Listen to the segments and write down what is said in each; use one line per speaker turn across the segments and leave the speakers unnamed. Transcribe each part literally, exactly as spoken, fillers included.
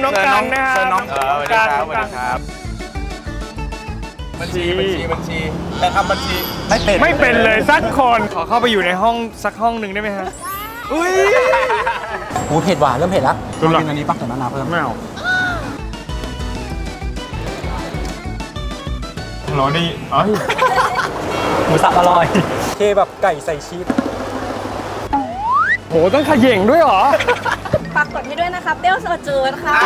น้องกันนะครับน้องกันน้องกันครับ
บัญชีบัญชีบัญชีแต่ทำบัญชีไม่เป็น
ไม่เป็นเลยสักคนขอเข้าไปอยู่ในห้องสักห้องหนึ่งได้ไหมฮะอุ้ย
โอ้เผ็ดหวานเริ่มเผ็ดแล้วกินอันนี้ปักแต่มะนาวเพิ่ม
ไม่เอาหรอดิเอ้ย
หมูสับอร่อยเคแบบไก่ใส่ชีส
โหต้องขย่งด้วยเหรอ
ฝากกดให้ด้วยนะคะเปรี้ยวสดจืดค่ะ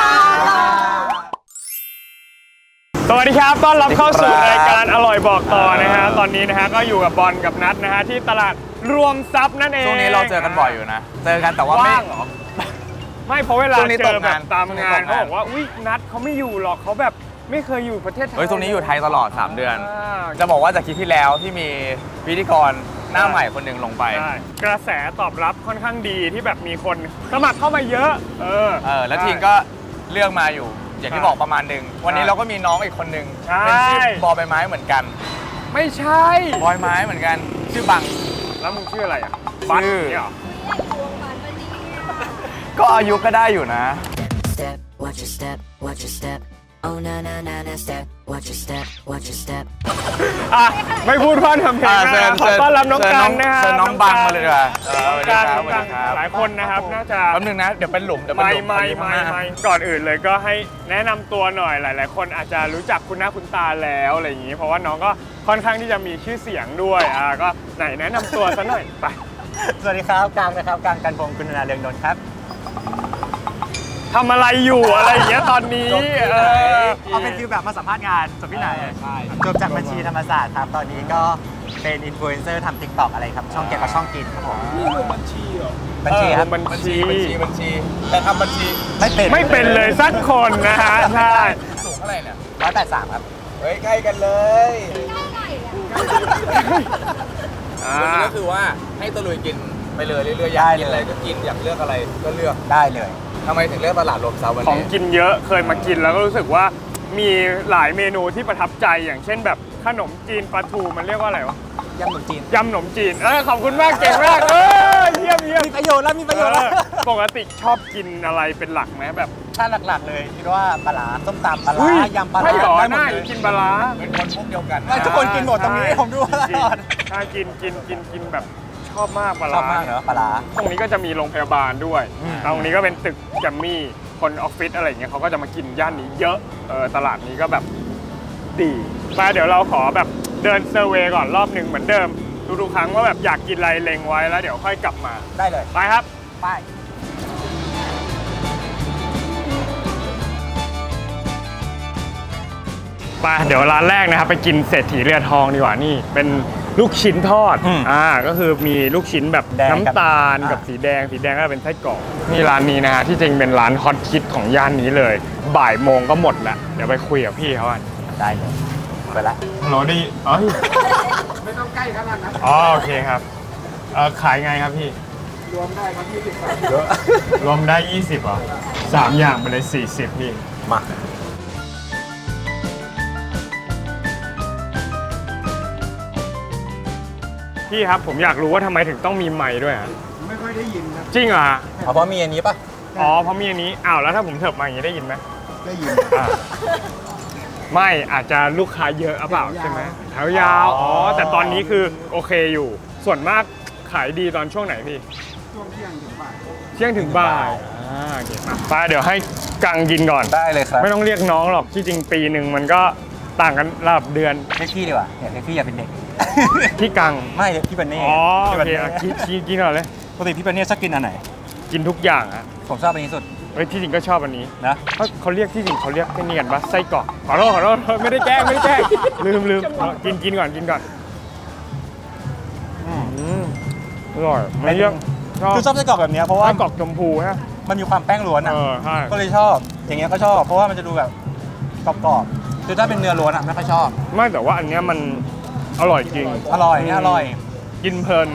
สวัสดีครับต้อนรับเข้าสู่รายการอร่อยบอกต่อนะฮะตอนนี้นะฮะก็อยู่กับบอลกับนัทนะฮะที่ตลาดรวมทรัพย์นั่นเอง
ช่วงนี้เราเจอกันบ่อยอยู่นะเจอกันแต่ว่าไม่หรอ
ไม่เพราะเวลาเจอแบบตามงานเขาบอกว่าอุ้ยนัทเขาไม่อยู่หรอกเขาแบบไม่เคยอยู่ประเทศไทย
เฮ้ยตรงนี้อยู่ไทยตลอดสามเดือนจะบอกว่าจากคลิปที่แล้วที่มีพิธีกรหน้าใหม่คนหนึ่งลงไป
กระแสตอบรับค่อนข้างดีที่แบบมีคนสมัครเข้ามาเยอะเออ
เออแล้วทีมก็เลือกมาอยู่อย่างที่บอกประมาณหนึ่งวันนี้เราก็มีน้องอีกคนหนึ่งเป็นชื่อบอใบไม้เหมือนกัน
ไม่ใช่
บอยไม้เหมือนกันชื่อบัง
แล้วมึงชื่ออะไรอ่ะบังเนี่ย
ก็อายุก็ได้อยู่นะ
อ่ะไม่พูดพร่ำทำเพลงนะขอต้อนรับน้องกันนะครับ
น้องบังมาเลยดีกว่า
น้องกันหลายคนนะครับน่าจะ
แป๊บนึงนะเดี๋ยวเป็นหลุมเดี๋ยวเป็นหลุม
ไม่ไม่ไม่ก่อนอื่นเลยก็ให้แนะนำตัวหน่อยหลายๆคนอาจจะรู้จักคุณหน้าคุณตาแล้วอะไรอย่างนี้เพราะว่าน้องก็ค่อนข้างที่จะมีชื่อเสียงด้วยอ่ะก็ไหนแนะนำตัวซะหน่อยไป
สวัสดีครับกลางนะครับกลางกันพงศ์กุณนาเรืองนนท์ครับ
ทำอะไรอยู่อะไรอย่างเงี้ยตอนนี้เออ
เอาเป็นฟิลแบบมาสัมภาษณ์งานจบที่ไหนจบจากบัญชีธรรมศาสตร์ครับตอนนี้ก็เป็นอินฟลูเอนเซอร์ทำติ๊กต็อกอะไรครับช่องเก็บกับช่องกินครับผม
บัญชีเหรอ
บัญชีครับ
บัญชี
บัญชีบัญชีแต่ทำบัญชี
ไม่เป็น
ไม่เป็นเลยสักคนนะฮะใช่
สูงเท่าไหร่เนี่ย
ร้อยแปดสามครับ
เฮ้ยใกล้กันเลยวันนี้ก็คือว่าให้ตะลุยกินไปเลยเรื่อยๆอยากกินอะไรก็กินอยากเลือกอะไรก็เลือก
ได้เลย
ทำไมถึงเลือกตลาดรวมทรัพย์วันนี้
ของกินเยอะเคยมากินแล้วก็รู้สึกว่ามีหลายเมนูที่ประทับใจอย่างเช่นแบบขนมจีนปลาทูมันเรียกว่าอะไรวะ
ยำขนมจีน
ยำขนมจีนเออขอบคุณมากเก่งมากเออเยี่ยมเยี่ยม
มีประโยชน์แล้วมีประโยชน์แล้ว
ปกติชอบกินอะไรเป็นหลักไหมแบบ
ถ้าหลักๆเลยคิดว่าปลาร้าส้มตำปลาร้ายำปลาร้า
ไม่หรอน่ากินปลาร้า
เป็นคนพวกเดียวกัน
ทุกคนกินหมดตรงนี้ผมดูตลอด
ถ้ากินกินกินกินแบบชอบมากปลาร้า
ชอบมากเหรอปลาร้า
ตรงนี้ก็จะมีโรงพยาบาลด้วยตรงนี้ก็เป็นตึกแกมมี่คนออฟฟิศอะไรอย่างเงี้ยเขาก็จะมากินย่านนี้เยอะเออตลาดนี้ก็แบบดีมาเดี๋ยวเราขอแบบเดินเซอร์เวย์ก่อนรอบหนึ่งเหมือนเดิมทุกๆครั้งว่าแบบอยากกินอะไรเล็งไว้แล้วเดี๋ยวค่อยกลับมา
ได้เลย
ไปครับ
ไป
ไปเดี๋ยวร้านแรกนะครับไปกินเศรษฐีเรือทองดีกว่านี่เป็นลูกชิ้นทอดอ่าก็คือมีลูกชิ้นแบบน้ำตาลกับสีแดงสีแดงก็เป็นไส้กรอกนี่ร้านนี้นะฮะที่จริงเป็นร้านฮอตฮิตของย่านนี้เลยบ่ายโมงก็หมดแล้วเดี๋ยวไปคุยกับพี่เขากัน
ได้เลยไปละ
โหลดีเอ้ย
ไม่ต้องใกล้ขนาดนั้น
อ๋อโอเคครับเออขายไงครับพี่
รวมได้ครับยี่สิบบาท
รวมได้ยี่สิบเหรอสามอย่างไปเลยสี่สิบพี่
มา
พี่ครับผมอยากรู้ว่าทำไมถึงต้องมีไมค์ด้วยอ่ะ
ไม่ค่อยได้ยินครับ
จริงเหรอ
เพราะมีอันนี้ป่ะ
อ๋อเพราะมีอันนี้อ้าวแล้วถ้าผมเถิบมาอย่างนี้ได้ยินไหม
ได้ยิน
ไม่อาจจะลูกค้าเยอะหรือเปล่าใช่ไหมแถวยาวอ๋อแต่ตอนนี้คือโอเคอยู่ส่วนมากขายดีตอนช่วงไหนพี่
ช่วงเที่ยงถึงบ่าย
เที่ยงถึงบ่ายอ่าโอเคมาไปเดี๋ยวให้กังกินก่อน
ได้เลยครับ
ไม่ต้องเรียกน้องหรอกที่จริงปีหนึ่งมันก็ต่างกันระดับเดือน
เรียกพี่ดีกว่าเรียกพี่อย่าเป็นเด็ก
พี่กัง
ไม่พี่บันนี่
อ๋อโอเคกินกินกินก่อนเลย
ปกติพี่บันนี่ชอบกินอันไหน
กินทุกอย่างอะ
ผมชอบอันนี้สุด
เฮ้ยที่จริงก็ชอบอันนี้
นะ
เขาเขาเรียกที่จริงเขาเรียกแค่นี้กันปะไส้กรอกขอโทษขอโทษไม่ได้แกล้งไม่ได้แกล้งลืมลืมกินกินก่อนกินก่อนอืมอร่อยไม่เยอะ
คือชอบไส้กรอกแบบนี้เพราะว่า
ไส้กรอกชมพูฮะ
มันมีความแป้งล้วนอ่ะก็เลยชอบอย่างเงี้ยก็ชอบเพราะว่ามันจะดูแบบกรอบๆคือถ้าเป็นเนื้อล้วนอ่ะไม่ค่อยชอบ
ไม่แต่ว่าอันเนี้ยมันอร่อยจริง
อร่อยเนี่ยอร่อย
กินเพลิน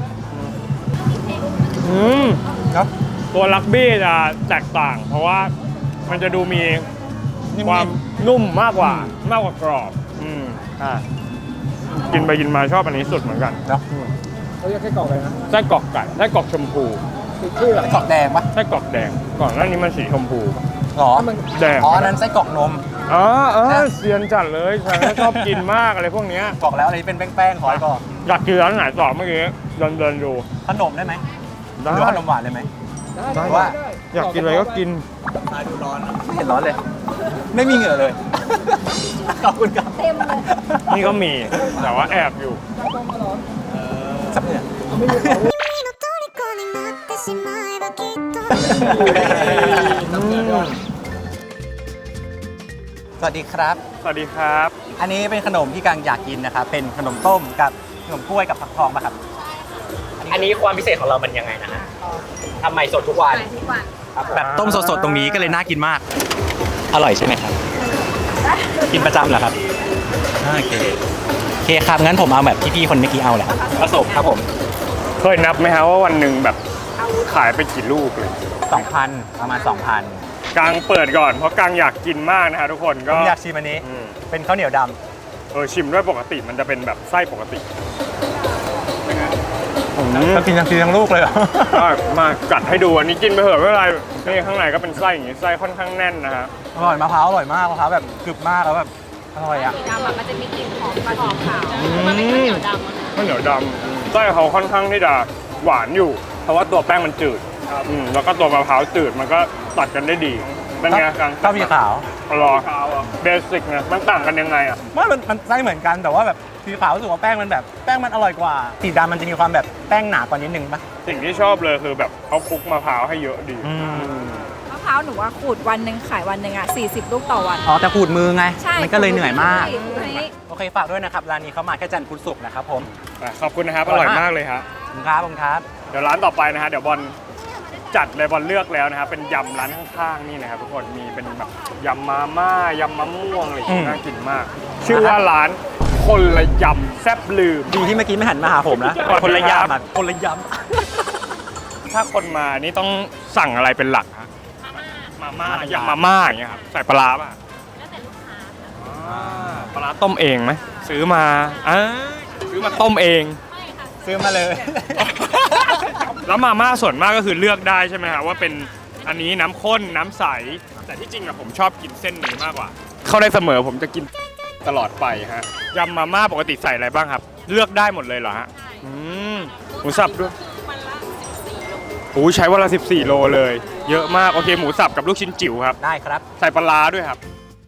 อืม
ครับ
ตัวลักบี้จะแตกต่างเพราะว่ามันจะดูมีความนุ่มมากกว่ามากกว่ากรอบอืมอ่ากินไปกินมาชอบอันนี้สุดเหมือนกัน
เนาะ
เขาเรียกไส้กรอกอะไรนะ
ไส้กรอกไก่ไส้กรอกชมพู
ชื่อไส้กรอกแดงปะ
ไส้กรอกแดงก่อนหน้านี้มันสีชมพู
หรอ
แดง
อ๋ออันนั้นไส้กรอกนม
อ๋อเออเซียนจัดเลยฉันชอบกินมากอะไรพวกเนี้ย
บอกแล้วอะไรที่เป็นแป้งๆขอให้ก่อน
อยากกินร้านไหนต่อเมื่อกี้เดินเดินดู
ขนมได้ไหม
ได้
หรือว่าขนมหวานเลยไหม
ได้
หรือว่า
อยากกินอะไรก็กิน
ไม่เห็นร้อนเลย ไม่มีเหงื่อเลย ขอบคุณครับ
เต็มเลย
นี่ก็มีแต่ว่าแอบอยู่
สับเหงื่อ
虜になってしまえばきっと
สวัสดีครับ
สวัสดีครับ
อันนี้เป็นขนมที่กังอยากกินนะครับ เป็นขนมต้มกับขนมกล้วยกับผักทองป่ะครับ
อันนี้ความพิเศษของเรามันยังไงนะฮะทำใหม่สดทุกวัน
ทุกวัน
แบบต้มสดๆตรงนี้ก็เลยน่ากินมาก อร่อยใช่ไหมครับ กินประจำเหรอครับอ่าโอเคโอเคครับงั้นผมเอาแบบที่พี่คนเมื่อกี้เอาแหละผสมครับผม
เคยนับไหมฮะว่าวันหนึ่งแบบขายไปกี่ลูกเลย
สองพันประมาณสองพัน
กางเปิดก่อนเพราะกางอยากกินมากนะฮะทุกคน
ผ
ก็
มอยากชิมอันนี้
อืม
เป็นข้าวเหนียวด
เออชิมด้วยปกติมันจะเป็นแบบไส้ปกติอืม
ำก็กินทั้งทีทั้งลูกเลยเหรอ
ก็มากัดให้ดูอันนี้กินไปเถอะไม่เป็นไรนี่ข้างในก็เป็นไส้อย่างงี้ไส้ค่อนข้างแน่นนะฮะ
อร่อยมะพร้าวอร่อยมากมะพร้าวแบบกรึบมากแล้วแบบอร่อยอ่ะ
สีดำอะมันจะมีกลิ่นหอมกว่าสีขาวมันเป็นข้าวเหนียวดำอะ
ข้าวเหนียวดำไส้เขาค่อนข้างที่จะหวานอยู่ เพราะว่าตัวแป้งมันจืดอืมแล้วก็ตัวมะพร้าวจืดมันก็ตัดกันได้ดีเป็นไงกาง
ข้าวมีขาว
รอเบสิกนะมันต่างกันยังไงอ่ะ
ไม่มันมันไส้เหมือนกันแต่ว่าแบบสีขาวรู้สึกว่าแป้งมันแบบแป้งมันอร่อยกว่าสีดำมันจะมีความแบบแป้งหนากว่านิดนึงปะ
สิ่งที่ชอบเลยคือแบบเขาคลุกมะพร้าวให้เยอะดี
อืม
มะพร้าวหนูว่าขูดวันหนึ่งขายวันหนึ่งอ่ะสี่สิบลูกต่อวัน
อ๋อแต่ขูดมือไง
ใช่
มันก็เลยเหนื่อยมาก
ขูดให้
โอเคฝากด้วยนะครับร้านนี้เขามาแค่จันทร์พุธศุกร์นะครับผม
อ่ะขอบคุณนะครับ อ
อร่
ร่อ
อย ย
มาม
าก ก
เลยครับ
ขอบคุณครับขอบคุณครับ
เดี๋ยวร้านต่อไปนะฮะเดี๋ยวบอลจัดเลยบอลเลือกแล้วนะครับเป็นยำร้านข้างๆนี่นะครับทุกคนมีเป็นแบบยำมาม่ายำมะม่วงอะไรอย่างเงี้ยน่ากินมาก ชื่อว่าร้านคนละยำแซ่บลืม
ดีที่เมื่อกี้ไม่หันมาหาผมนะ คนละยามอ่ะคนละย
ถ้าคนมานี่ต้องสั่งอะไรเป็นหลักฮะมาม่ายำมาม่าอย่างเงี้ยครับใส่ปลาร้าป่ะอ่าปลาร้าต้มเองไหมซื้อมาอ่าซื้อมาต้มเอง
ำซื้อมาเลย
แล้วมาม่าส่วนมากก็คือเลือกได้ใช่ไหมครับว่าเป็นอันนี้น้ำข้นน้ำใส แต่ที่จริงอะผมชอบกินเส้นนี้มากกว่า เข้าได้เสมอผมจะกินตลอดไปฮะยำมาม่าปกติใส่อะไรบ้างครับ เลือกได้หมดเลยเหรอฮะอืมหมูสับด้วยโอ้ใช้วันละสิบสี่โลเลย เยอะมากโอเคหมูสับกับลูกชิ้นจิ๋วครับ
ได้ครับ
ใส่ปลาร้าด้วยครับ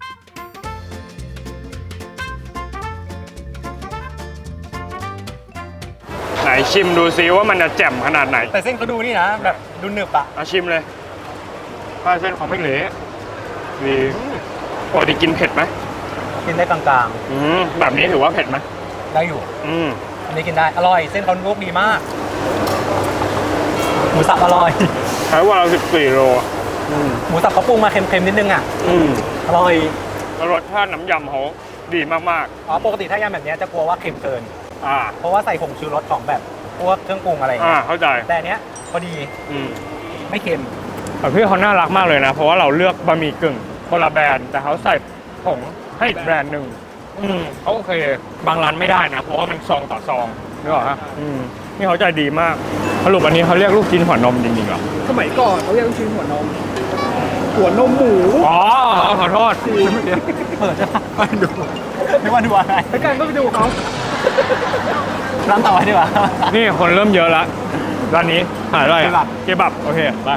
ไหนชิมดูซิว่ามันจะแจ่มขนาดไหน
แต่เส้นเขาดูนี่นะแบบดูหนึบอ่ะ
เอาชิมเลยผ้าเส้นของไม่เหละดีปกติกินเผ็ดไหม
กินได้กลาง
อืมแบบนี้ถือว่าเผ็ดไหม
ๆได้อยู่
อืม
อันนี้กินได้อร่อยเส้นเขาลูกดีมากหมูสับอร่อย
ใช้วันละสิบสี่โล
หมูสับเขาปรุงมาเค็มๆนิดนึงอ่ะ
อืม
อร่อย
แล้วรสชาติน้ำยำเขาดีมาก
อ๋อปกติถ้ายำแบบเนี้ยจะกลัวว่าเค็มเกิน
ๆอ่า
เพราะว่าใส่ผงชูรสของแบบพวกเครื่องปรุงอะไรอย่าง
อ่า
เงี้ย
เข้าใจ
แต่อันเนี้ยพอดี
อืม
ไม่เค็ม
แต่พี่เขาน่ารักมากเลยนะ เพราะว่าเราเลือกบะหมี่กึ่งคนละแบรนด์แต่เขาใส่ผงให้อีกแบรนด์หนึ่งอืมเขาโอเค บางร้านไม่ได้นะ เพราะว่ามันซองต่อซองนึกออกฮะอืมนี่เขาใจดีมากสรุปอันนี้เขาเรียกลูกชิ้นหัวนมจริงๆเหรอ
สมัยก่อนเขาเรียกลูกชิ้นหัวนม หัวนมหมู
อ๋อขอโทษ
เปิดจะไปดูไม่ว่าดูอะไร
ไปกันก็ไปดูเขา
ร้านต่อไปดีกว่า
นี่คนเริ่มเยอะแล้วร้านนี้หาอะไร
เคบั
อ่ะ
บ
เคบับโอเคไป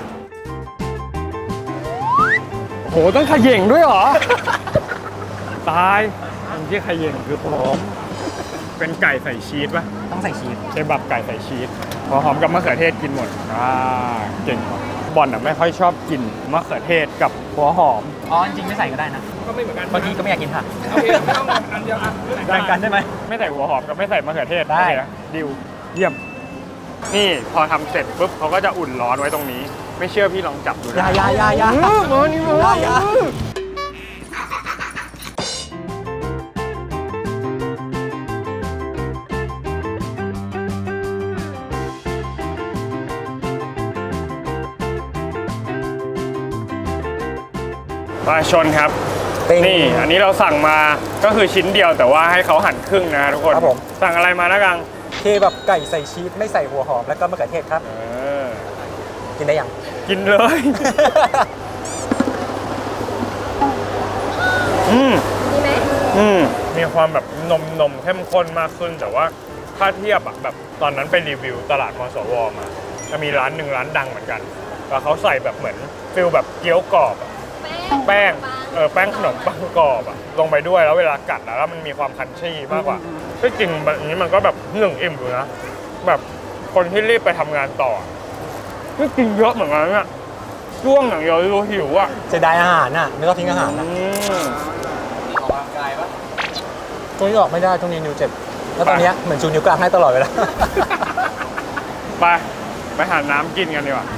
โหต้องขย่งด้วยเหรอ ตายมันที่ขย่งคือหอมเป็นไก่ใส่ชีสป่ะ
ต้องใส่ชีส
เคบับไก่ใส่ชีสหัวหอมกับมะเขือเทศกินหมดอ่าเก่งบอลอ่ะไม่ค่อยชอบกินมะเขือเทศกับหัวหอม
อ๋อจริงๆไม่ใส่ก็ได้นะ
ก็ไม่เหมือนกัน
บางทีก็ไม่อยากกินผัก
โอเคไม่ต้องอันเดียวอ่ะ
แบ่งกันได้ไหม
ไม่ใส่หัวหอมกับไม่ใส่มะเขือเทศ
ได้
โอเคนะดิวเยี่ยม นี่พอทำเสร็จปุ๊บเขาก็จะอุ่นร้อนไว้ตรงนี้ ไม่เชื่อพี่ลองจับดู
ยา
นะ
ยายายา
เออมานี่มาย
ายา
ปลาชนครับ นี่อันนี้เราสั่งมาก็คือชิ้นเดียวแต่ว่าให้เขาหั่นครึ่งนะทุกคน
ครับผม
สั่งอะไรมานะกัง
เคแบบไก่ใส่ชีสไม่ใส่หัวหอมแล้วก็มะเขือเทศครับ
เออ
กินได้ยัง
กินเลยมีความแบบนมนมเข้มข้นมากขึ้นแต่ว่าถ้าเทียบอะแบบตอนนั้นไปรีวิวตลาดมสวมาจะมีร้านหนึ่งร้านดังเหมือนกันแล้วเขาใส่แบบเหมือนฟิลแบบเกี๊ยวกรอบอะแป้งเออแป้งขนมปังกรอบอะลงไปด้วยแล้วเวลากัดแล้วมันมีความคันชี่มากกว่าที่จริงแบบนี้มันก็แบบหนึ่งอิ่มอยู่นะแบบคนที่รีบไปทำงานต่อที่กินเยอะเหมือนกันเนี่ยช่วงอย่างเดียวรู้หิวอ่ะ
เสียดายอาหารน่ะไม่ต้องทิ้งอาหารนะ
อืม
ออกกำลังกายปะ
ช่วงนี้ออกไม่ได้ช่วงนี้นิ้วเจ็บแล้วตอนเนี้ยเหมือนชูนิ้วกลางให้ตลอดเวลา
ไปไปหาน้ำกินกันดีกว่า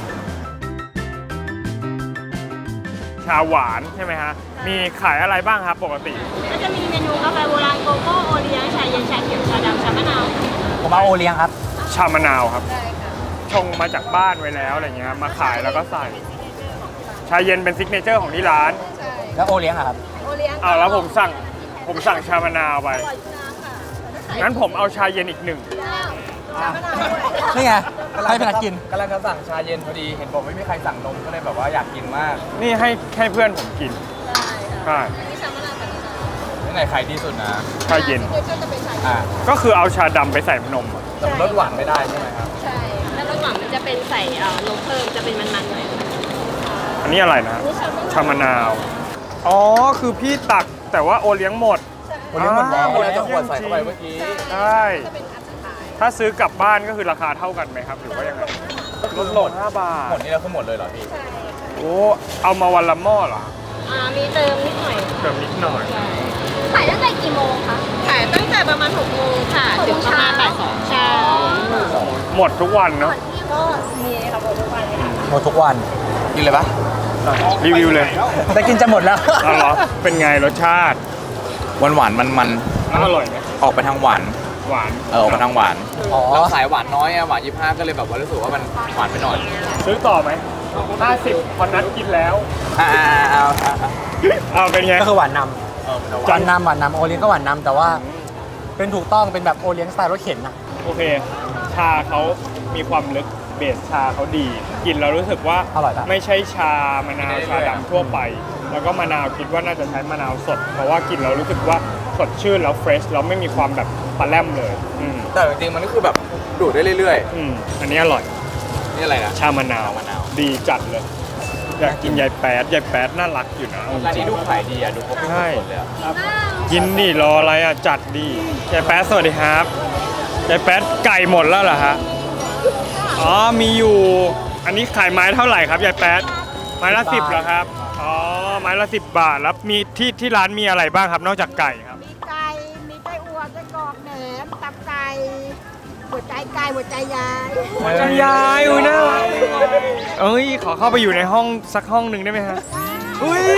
ชาหวานใช่ไหมฮะมีขายอะไรบ้างครับปกติ
ก็จะมีเมนูกาแฟโบราณโกโก้โอเลี้ยงชาเย็นชาเขียวชาดำชามะนาว
ผมเอาโอเลี้ยงครับ
ชามะนาวครับชงมาจากบ้านไว้แล้วอะไรเงี้ยมาขายแล้วก็ใส่ชาเย็นเป็นซิกเนเจอร์ของที่ร้าน
แล้วโอเลี้ยงอะครับ
โอเลี้ยง
อ้าวแล้วผมสั่งผมสั่งชามะนาวไปงั้นผมเอาชาเย็นอีกหนึ่ง
ชามะนาวด้วย
นี่ไงให้พนักกิน
กำลังจะสั่งชาเย็นพอดีเห็นบอกไม่มีใครสั่งนมก็เลยแบบว่าอยากกินมาก
นี่ให้ให้เพื่อนผมกินใช่
ที่ไหนขายดีสุดนะ
ชาเย็น
อ่า
ก็คือเอาชาดำไปใส่นมอะ
แต่รสหวานไม่ได้ใช่ไหมครับ
ใช่ แล้วระหว่างมันจะเป็นใส่เอ่อนมเพิ่มจะเป็นมันๆหน่อย
อันนี้อะไรนะชามะนาว อ๋อ คือพี่ตักแต่ว่าโอเลี้ยงหมด
โอเลี้ยงหมดแล้ว
ก็เลยจะขวดใส่เข้าไปเมื่อกี้
ใช่ ถ้าซื้อกลับบ้านก็คือราคาเท่ากันไหมครับ หรือว่ายังไงลดหมดห้าบาท
หมดนี่แล้วคือหมดเลยเหรอพี่
โอ้ เอามาวันละหม้อเหรอ
อ่ามีเติมนิดหน่อย
เติมนิดหน่อย
ขายตั้งแต่กี่โมงคะ ขายตั้งแต่ประมาณหกโมงค่ะ ถึงประมาณบ่ายสองใช่
หมดทุกวันเนาะ
ก็มีค่ะโบทุกวันเลยค่ะ
หมดทุกวัน
กินเลยปะ
รีวิวเลย
แต่กินจะหมดแล้ว
เอาเหรอ เป็นไงรสชาติ
หวานหวานมันมัน
อร่อยไหม
ออกไปทางหวาน
หวาน
เออออกไปทางหวาน
อ๋อ
เราขายหวานน้อยอะหวานยี่ห้าก็เลยแบบว่ารู้สึกว่ามันหวานไปหน่อย
ซื้อต่อไหมห้าสิบพอนัดกินแล้ว
อ่าเอาเอา
เอาเป็นไง
ก็คือหวานน
เออ
ำหวานนำหวานนำโอเลี้ยงก็หวานนำแต่ว่า เป็นถูกต้องเป็นแบบโอเลี้ยงสไตล์รถเข็นนะ
โอเค ชาเขามีความลึกเบสชาเขาดี กินแล้วรู้สึกว่า
อร่อยปะ
ไม่ใช่ชามะนาวชาดำทั่วไป แล้วก็มะนาวคิดว่าน่าจะใช้มะนาวสด เพราะว่ากินแล้วรู้สึกว่าสดชื่นแล้วเฟรชแล้วไม่มีความแบบปลาแรมเลย อืม
แต่จริงๆมันก็คือแบบดูดได้เรื่อย
อืมอันนี้อร่อย
ๆ นี่อะไรนะ
ชามะนาว
ชามะนาว
ดีจัดเลย อยากกินยายแป๊ดยายแป๊ดน่ารักอยู่นะเอาจ
ร้าน
ริ
นี้
ง
ดูขายดีอะดูครบทุก
ใช่
คนเลยอะ
กินดิรออะไรอ่ะจัดดิยายแป๊ดสวัสดีครับยายแป๊ดไก่หมดแล้วเหรอฮะอ๋อมีอยู่อันนี้ขายไม้เท่าไหร่ครับยายแป๊ดไม้ละสิบเหรอครับอ๋อไม้ละสิบบาทแล้วมีที่ที่ร้านมีอะไรบ้างครับนอกจากไก่ครับ
มีไก่ มีไส้อั่วไส้กรอกแหนม ตับไก่ หัวใจไก่ หัวใจยาย
หัวใจยายอุ้ยน่ารักเอ้ยขอเข้าไปอยู่ในห้องสักห้องหนึ่งได้ไหมฮะอุ้ย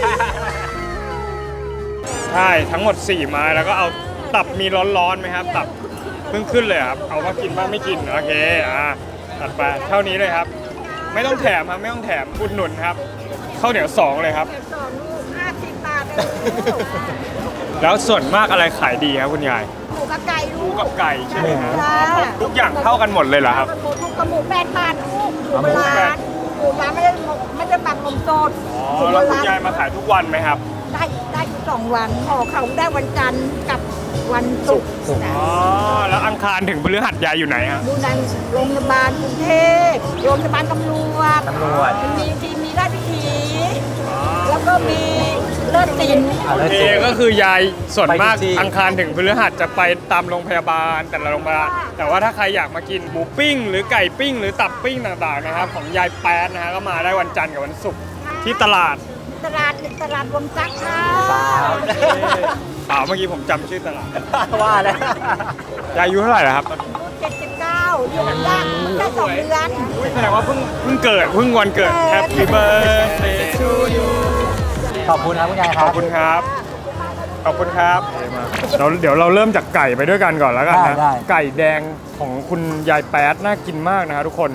ใช่ทั้งหมดสี่ไม้แล้วก็เอาตับมีร้อนๆไหมครับตับเพิ่งขึ้นเลยครับเอาว่ากินบ้างไม่กินโอเคอ่าตัดไปเท่านี้เลยครับ ไม่ต้องแถมครับไม่ต้องแถมอุดหนุนครับข้าวเหนียวสองเลยครับ
สองลูกห้าสิบบาทเลยลูก
แล้วส่วนมากอะไรขายดีครับคุณยาย
หมูกับไก่
ห
ลู
มู
ก
กับไก่ใช่ไหมครับ
จ้า
ทุกอย่างเท่ากันหมดเลยเหรอครับ
หมูทุกกับหมูแปดบาทลูกหมู
หมู
โบ
แป
รา
ด
ณหมูร้านไม่ได้ไม่ได้หมักนมสด
อ๋อ
หมูโบ
แล้วคุณ
ราณ
ยายมาขายทุกวันไหมครับ
ได้ได้อยู่สองวันขอเขาได้วันจันทร์กับวันศุกร์จ้ะ
อ๋อแล้วอังคารถึงพฤหัสยายอยู่ไหนฮะ
ดูในโรงพยาบาลกรุงเทพโรงพยาบาลตำรวจ
ตำรวจ
มีทีมีราชพิธี แล้วก็มีเลิศศิลป์
อ่ะ
โอ
แล้ว
เค
จริง
ก็คือยายส่วนมาก
ไปทุกที่
อังคารถึงพฤหัสจะไปตามโรงพยาบาลแต่ละโรงพยาบาลแต่ว่าถ้าใครอยากมากินหมูปิ้ง หรือไก่ปิ้ง หรือตับปิ้งต่างๆนะครับของยายแป๊ดนะฮะก็มาได้วันจันทร์กับวันศุกร์ที่ตลาด
ตลาดตลาดวงจักรค่ะ
เปล่าเมื่อกี้ผมจำชื่อตลาด
ว่าแล้ว
ยายอายุเท่าไหร่แล้วครับ
เจ็ดสิบเก้าอยู่กันยากแค่สองเดือน
อุ๊ยแสดงว่าเพิ่งเพิ่งเกิดเพิ่งวันเกิด Happy birthday to you
ขอบคุณครับคุณยายค
ข
รั
อ
บบ
คุณครับ ขอบคุณครับเราเดี๋ยวเราเริ่มจากไก่ไปด้วยกันก่อนแล้วกันนะ
ได้
ไก่แดงของคุณยายแป๊ดน่ากินมากนะครับทุกคน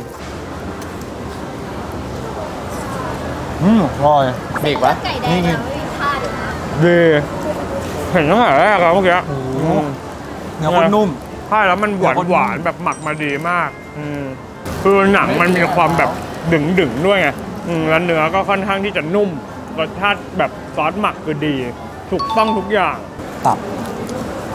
อืมอร่อย
มีอีกปะ
ไก่แดงยังไม่ทาดนะ
ดีเห็นตั้งแต่แรกแล้วเมื่อกี้
โอ้โห
อืม
เนื้อคนนุ่ม
ใช่แล้วมันหวาน
เนื้อคนนุ่ม
หวานแบบหมักมาดีมากอืมคือหนังมันมีความแบบดึงดึงๆด้วยไงอืมแล้วเนื้อก็ค่อนข้างที่จะนุ่มรสชาติแบบซอสหมักคือดี ถูกต้องทุกอย่าง
ตับ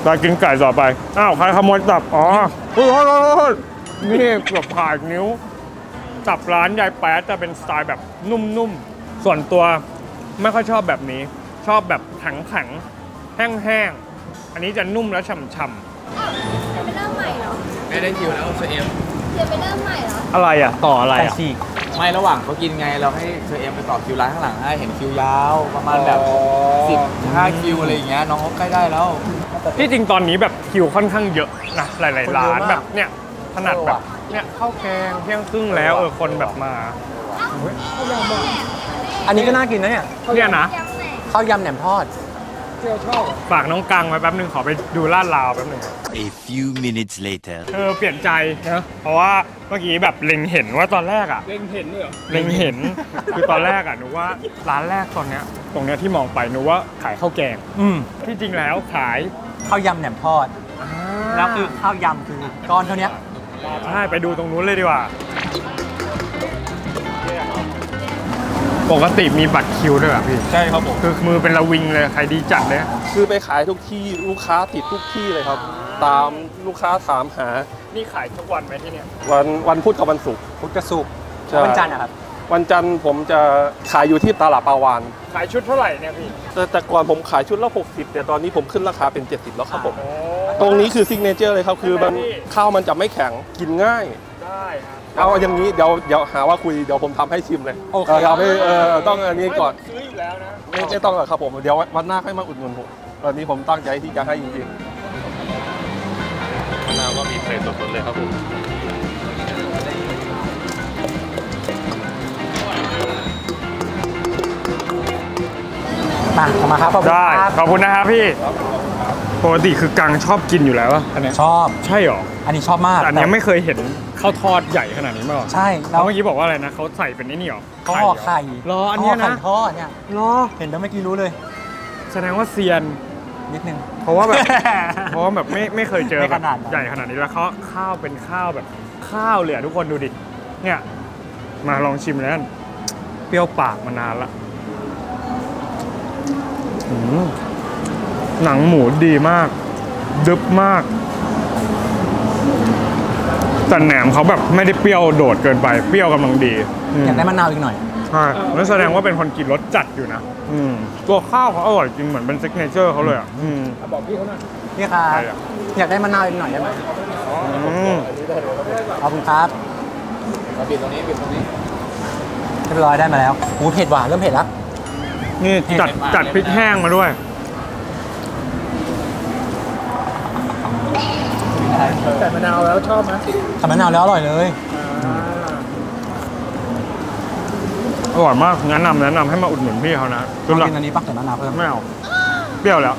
เรากินไก่ต่อไป อ้าว ใครขโมยตับ อ๋อโอ้ยโอ้ยโอ้ยโอ้ยนี่เกือบขาดนิ้ว ตับร้านยายแป๊ดจะเป็นสไตล์แบบนุ่มๆ ส่วนตัวไม่ค่อยชอบแบบนี้ ชอบแบบแข็งๆ แห้งๆ อันนี้จะนุ่มและฉ่ำ
จะไปเริ่มใหม่เหรอ
ไม่ได้คิวแล้วเชอเอ็ม
จะไปเริ่มใหม่เหรอ
ๆ อะไรอ่ะ ต่ออะไร
ไก่
อ่ะ
ฉีก
ไม่ระหว่างเขากินไงเราให้เชอเอ็มไปต่อคิวร้านข้างหลังให้เห็นคิวยาวประมาณแบบสิบห้าคิวอะไรอย่างเงี้ยน้องเขาใกล้ได้แล้ว
ที่จริงตอนนี้แบบคิวค่อนข้างเยอะนะหลายๆร้าน
คนเยอะมาก
แบบเนี่ยขนาดแบบเนี่ยข้าวแกงเที่ยงครึ่งแล้วเออคนแบบมา
อันนี้ก็น่ากินนะเนี่ย
เนี่ยนะ
ข้าวยำแหนมทอด
ฝากน้องกังไว้แป๊บนึงขอไปดูลาดราวแป๊บนึง
A few minutes later
เออเปลี่ยนใจนะเพราะว่าเมื่อกี้แบบเล็งเห็นว่าตอนแรกอะเล็งเห็นเหรอเล็งเห็น คือตอนแรกอะหนูว่าร้านแรกตอนเนี้ยตรงเนี้ยที่มองไปหนูว่าขายข้าวแกง
อืม
ที่จริงแล้วขาย
ข้าวยำแหนมทอด แล้วคือข้าวยำคือก้อนเท่าเนี้ย
ใช่ไปดูตรงนู้นเลยดีกว่า ปกติมีบัตรคิวด้วยเหรอพี่
ใช่ครับผม
คือมือเป็นระวิงเลยใครดีจัดเลย
คือไปขายทุกที่ลูกค้าติดทุกที่เลยครับ ตามลูกค้าถามหา
นี่ขายทุกวันไหมที่เนี่ย
วันวันพุธกับวันศุกร์
พุทธสุกร์
ใช่
วันจันทร์อะครับ
วันจันทร์ผมจะขายอยู่ที่ตลาดปาวาน
ขายชุดเท่าไหร่เนี่ยพี่
แต่แต่ก่อนผมขายชุดละหกสิบแต่ตอนนี้ผมขึ้นราคาเป็นเจ็ดสิบแล้วครับผม
โอ้
ตรงนี้คือซิกเนเจอร์เลยครับ คือมัน
ใช่ไหมพี่
ข้าวมันจะไม่แข็งกินง่าย
ได้ครับ
เอาอย่างนี้เดี๋ยวเดี๋ยวหาว่าคุยเดี๋ยวผมทำให้ชิมเลย
โอเค
ทำให้เออต้องอันนี้ก่อน
ซื้ออยู่แล้วนะ
ไม่ไม่ต้องหรอกครับผมเดี๋ยววันหน้าให้มาอุดหนุนผมวันนี้ผมตั้งใจที่จะให้จริงๆมะนาวก็มีเศษสดๆเลยครับผม
มาเอามาครับขอบคุณ
ได้
ครับ
ขอบคุณนะครับพี่ปกติคือกังชอบกินอยู่แล้วอะอันเนี้ย
ชอบ
ใช่หรอ
อันนี้ชอบมาก
แต่อันเนี้ยไม่เคยเห็นข้าวทอดใหญ่ขนาดนี้มาก่อน
ใช่
แล้
แล้ว ว
เมื่อกี้บอกว่าอะไรนะเขาใส่เป็นไอ้นี่หรอ
เขาห่อไข่
เหรออันเนี้ยนะ
ห่ไข่ทอดเนี่ย
รอ
เห็นแล้วเมื่อกี้รู้เลย
แสดงว่าเซียน
นิดนึง
เพราะว่าแบบ เพราะว่าแบบไม่ไม่เคยเจอ
ไม่
แบ
ข
บ
นาดนั้น
ใหญ่ขนาดนี้แล้วเขาข้าวเป็นข้าวแบบข้าวเลยอะทุกคนดูดิเนี่ยมาลองชิมแล้วกันเปรี้ยวปากมานานละอืมหนังหมูดีมากดึบมากแต่แหนมเขาแบบไม่ได้เปรี้ยวโดดเกินไปเปรี้ยวกำลังดีม
อยากได้มะนาวอีกหน่อย
ใช่นั่นแสดงว่าเป็นคนกินรสจัดอยู่นะอืมตัวข้าวเขาอร่อยจริงเหมือนเป็นซิกเนเจอร์เขาเลยอ่ะอืม
พี่ครับ
ใครอะ
อยากได้มะนาวอีกหน่อยได้ไหม
อืม
ขอบคุณครับ
มาบิดตรงนี้บิดตรงนี้
เรียบร้อยได้มาแล้วหูเผ็ดหวานเริ่มเผ็ดแล้ว
นี่จัดจัดพริกแห้งมาด้วย
แต่มะนาวแล้วชอบไหมแต่มะนาวแล้วอร่อยเลย
อร่อยมากแนะนำแนะนำให้มาอุดหนุนพี่เขานะ
ลอง
ละ
กินอันนี้ปักแต่มะนาวเพิ่ม
ไม่เอาเปรี้ยวแล้ว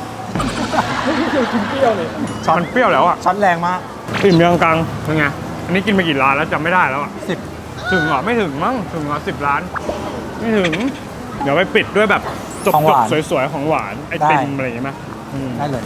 ช้อนเปรี้ยวแล้วอ่ะ
ช็อตแรงมาก
อิ่มยังกังเป็นไงอันนี้กินไปกี่ร้านแล้วจำไม่ได้แล้วอ่ะ
สิบ
ถึงเหรอไม่ถึงมั้งถึงเหรอสิบล้าน ไม่ถึง เดี๋ยวไปปิดด้วยแบบจบ
ของหวาน
ๆสวยๆของหวานไอติมอะไรอย่างเงี้ยไหมอืม
ได้เลย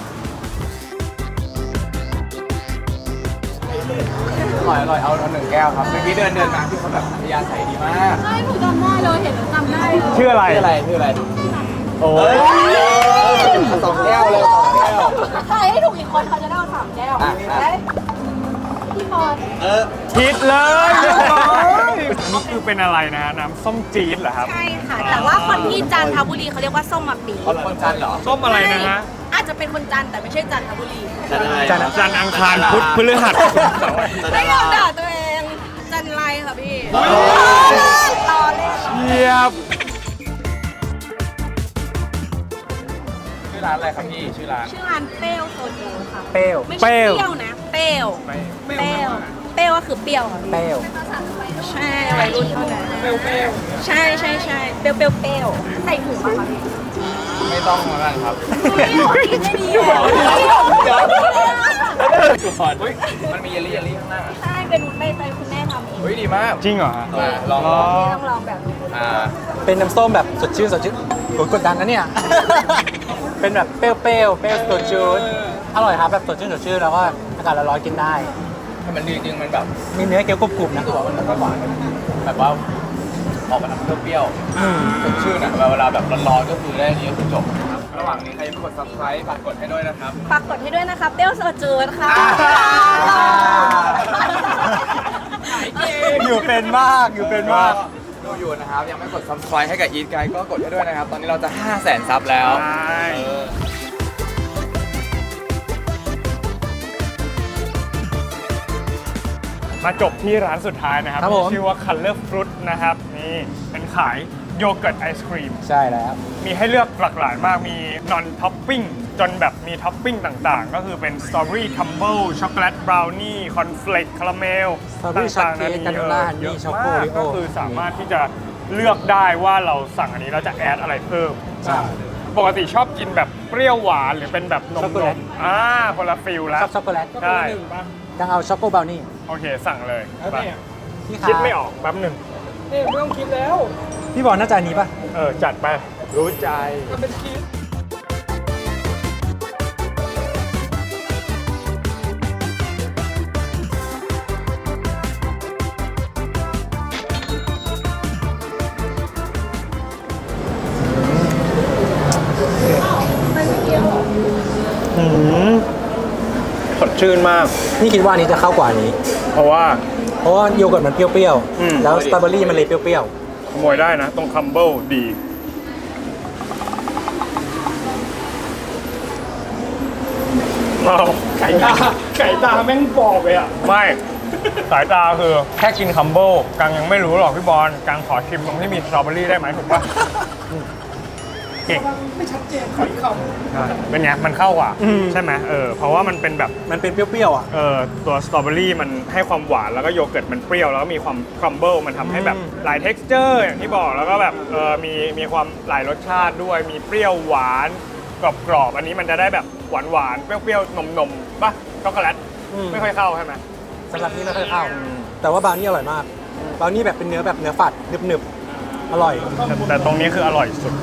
อร่อยอร่อยเอาเอาหนึ่งแก้วครับเมื่อกี้เดินเดินมาพี่เขาแบบพยาใส่ดีมาก
ใช่หนูจำได้เลยเห็นหนูจำได้เลย
ชื่ออะไร
ชื่ออะไรชื่ออะไร
โอ้ย
สองแก้วเลยสองแก้ว
ใครให้ถูกอีกคนเขาจะได้เอาสามแก้ว
อ่ะอ่ะ
เอ้ยพี่บอล
คิดเลยเรียบร้อยอันนี้คือเป็นอะไรนะน้ำส้มจี๊ดเหรอครับ
ใช่ค่ะ แต่ว่าคนที่จันทบุรีเขาเรียกว่าส้มมะปี
คนคนจันทร์เหรอ
ส้มอะไรนะฮะ
อาจจะเป็นคนจันทร์แต่ไม่ใช่จันทบุรี
จันทร์จันทร์อังคารพุธพฤหัส
ไม่ยอมด่าตัวเอง จันไรค่ะพี่ต่อเลย
เยียบ
ชื่อร้านอะไรครับพี่ชื่อร้าน
ชื่อร้านเปรี้ยวโซจูค่ะ
เปรี้ยว
ไม่ใช่เปรี้ยวนะ เปรี้ยว เปรี้ยว เปรี้ยวก็คือเปรี้ยวค่ะพี่
เปรี้ยว
ใช่วัยรุ่นเท่านั้นเปรี้ยวเปรี้ยวใช่ใช่ใช่เปรี้ยวเปรี้ยวเปรี้ยวใส่ถุงมาค่ะพี่
ไม่ต้องมากันครับ
ไม่ดีไม่ดีเลย
ทุกคนมันมีเยลลี่เยลลี่ข้างหน้า
ใช่เป็นไปไปคุณแม่ทำเอง
เฮ้ยดีมาก
จริงเหรอฮะ
มาลอง
ล
ล
อ
อง
นี่ต้องลองแบบนี้
อ่า
เป็นน้ำส้มแบบสดชื่นสดชื่นโอ้ยกดดันนะเนี่ย เป็นแบบเปรี้ยวเปรี้ยวเปรี้ยวสดชื่นอร่อยครับแบบสดชื่นสดชื่นแล้วก็อากาศร้อนๆกินได้
ถ้ามันดีจริงมันแบบ
มีเนื้อเกี๊ยวกรุบๆนะ
รู้สึกว่ามันไม่หวานแบบว่าออกมาทำเปรี้ยวๆสดชื่นอ่ะเวลาแบบร้อนๆก็คือได้อันนี้ก็คือจบระหว่างนี้ใครยังไม่กด subscribe ฝากกดให้ด้วยนะครับ
ฝากกดให้ด้วยนะคะเปรี้ยวเซอร์เจิดค่ะ
อยู่เป็นมาก อยู่เป็นมาก
ดูอยู่นะครับ ยังไม่กด subscribe ให้กับ Eat Guide ก็กดให้ด้วยนะครับ ตอนนี้เราจะ ห้าแสน ซับแล้ว
ใช่
เออ
มาจบที่ร้านสุดท้ายนะครับ
ครับผม
ที่ชื่อว่า Color Fruit นะครับ นี่เป็นขายโยเกิร์ตไอศครีม
ใช่แล้ว
มีให้เลือกหลากหลายมาก มี non topping จนแบบมีท็อปปิ้งต่างๆ ก็คือเป็นสตรอเบอรี่คัมเบิลช็อกโกแลตบราวนี่คอนเฟลกคาราเมล
Strawberry
ต่างๆ
shortcake
มี
granola
เออ
honey
เยอะ
choco
มาก
Oreo
ก็คือสามารถที่จะเลือกได้ว่าเราสั่งอันนี้เราจะแอดอะไรเพิ่ม
ใช่
ปกติชอบกินแบบเปรี้ยวหวานหรือเป็นแบบนม
ช็อกโกแลต
ๆอ่าคนละฟิลแล้ว
ชอบช็อกโกแลต
ใช่
ยังเอาช็อกโกบราวนี่
โอเคสั่งเลยไป
พี่
คิดไม่ออกแป๊บหนึ่ง
พี่บอกน่าจะอันนี้ป่ะ
เออ จัดไป รู้ใจ อืมสดชื่นมาก
นี่คิดว่าอันนี้จะเข้ากว่านี้
เพราะว่า
เพราะว่าโยเกิร์ตมันเปรี้ยว
อืม
ๆ แล้วสตรอเบอรี่มันเลยเปรี้ยว
ขโมยได้นะ ตรงคัมเบิลดีเราไก่ตาไก่ตาแม่งบอกไปอ่ะ ไม่ สายตาคือแค่กินคัมเบิลกังยังไม่รู้หรอกพี่บอลกังขอชิมตรงที่มีสตรอเบอรี่ได้ไหมถูกปะเก่งไม่ชัดเจนขออีกคำเป็นไง มันเข้ากว่า ใช่ไหมเออ เพราะว่ามันเป็นแบบ
ๆ มันเป็นเปรี้ยวๆอ่ะ
เออตัวสตรอเบอรี่มันให้ความหวานแล้วก็โยเกิร์ตมันเปรี้ยวแล้วก็มีความครัมเบิลมันทำให้แบบ
อืม
หลาย texture อย่างที่บอกแล้วก็แบบเออมีมีความหลายรสชาติด้วยมีเปรี้ยวหวานกรอบๆอันนี้มันจะได้แบบหวานหวานๆเปรี้ยวๆนมๆป่ะช็อกโกแลตไม่ค่อยเข้าใช่ไหม
สำหรับนี่ไม่ค่อยเข้า แต่ว่าบราวนี่อร่อยมากบราวนี่แบบเป็นเนื้อแบบเนื้อฝัดหนึบๆ อร่อย
แต่แต่ตรงนี้คืออร่อยสุด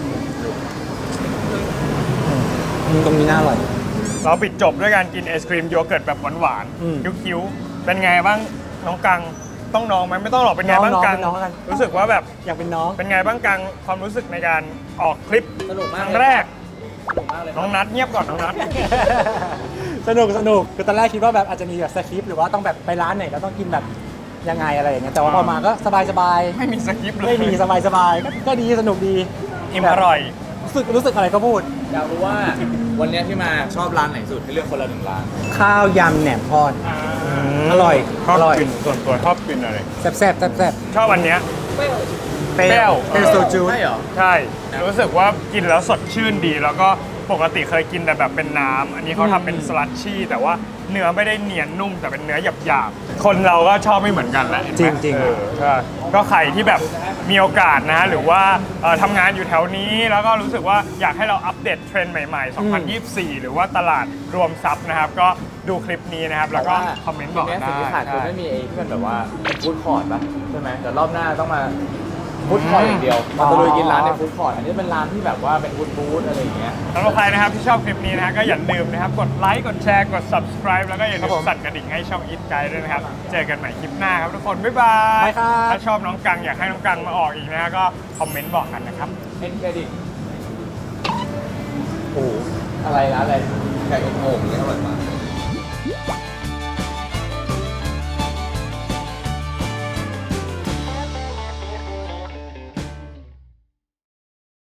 อืมตรงนี้น่าอร่อย
เราปิดจบด้วยการกินไอศครีมโยเกิร์ตแบบหวาน
อืม
ๆคิ้วๆเป็นไงบ้างน้องกังต้องน้องไหมไม่ต้องหรอกเป็นไงบ้าง
น้องๆ
กัง
เป็นน้องกัน
รู้สึกว่าแบบ
อยากเป็นน้อง
เป็นไงบ้างกังความรู้สึกในการออกคลิป
สนุก
ค
มาก
รั้ง
เลย
แรก
สนุกมากเลย
น้องนัดเงียบก่อนน้องนัด
สนุกสนุกคือตอนแรกคิดว่าแบบอาจจะมีแบบสคริปต์หรือว่าต้องแบบไปร้านไหนก็ต้องกินแบบยังไงอะไรอย่างเงี้ยแต่ว่าพอมาก็สบายสบาย
ไม่มีสคริปต์เลย
ไม่มีสบายสบายก็ก็ดีสนุกดี
อิ่มอร่อย
รู้สึกรู้สึกอะไรก็พูด
อยากรู้ว่าวันนี้ที่มาชอบร้านไหนสุดให้เลือกคนละหนึ่งร้าน
ข้าวยำแหนมทอด อร่อย
ชอบ
อร่อย
กินส่วนตัวชอบกินอะไร
แซ่บแซ่บแซ่บแซ่บ
ชอบอันเนี้ย
เป
เปรี้ยว
เป็นโซจู
ใช่เหรอ
ใช่ รู้สึกว่ากินแล้วสดชื่นดี แล้วก็ปกติเคยกินแต่แบบเป็นน้ำอันนี้เขาทำเป็นสลัดชี่แต่ว่าเนื้อไม่ได้เนียนนุ่มแต่เป็นเนื้อหยาบๆคนเราก็ชอบไม่เหมือนกันแหละเห็นไหม
จริงๆ
เออใช่ก็ใครที่แบบมีโอกาสนะหรือว่าเอ่อทำงานอยู่แถวนี้แล้วก็รู้สึกว่าอยากให้เราอัปเดตเทรนด์ใหม่ๆ สองพันยี่สิบสี่ หรือว่าตลาดรวมทรัพย์นะครับ ก็ดูคลิปนี้นะครับ แล้วก็คอมเมนต์บอก
ที
ได้
นี้สิ่งที่ขาดคือ
ใช่
ไม่มีไอ้ที่มันแบบว่าเป็นฟู้ดคอร์ทป่ะใช่ไหมแต่รอบหน้าต้องมาฟู้ดคอร์ทอย่างเดียวมาตะลุยกินร้านในฟู้ดคอร์ทอันนี้เป็นร้านที่แบบว่าเป็นฟู้ดบูธอะไรอย่างเงี้ย
สำหรับใครนะครับที่ชอบคลิปนี้นะฮะก็อย่าลืมนะครับ กดไลค์กดแชร์กด subscribe แล้วก็อย่าลืมสั่นกระดิ่งให้ช่อง Eat Guide ด้วยนะครับ เจอกันใหม่คลิปหน้าครับทุกคน บ๊ายบาย
บ๊ายบายครับ
ถ้าชอบน้องกังอยากให้น้องกังมาออกอีกนะฮะก็คอมเมนต์บอกกันนะครับ
เอ็นเครดิตโอ้โหอะไรนะอะไรไก่อบโอ่งนี่อร่อยมาก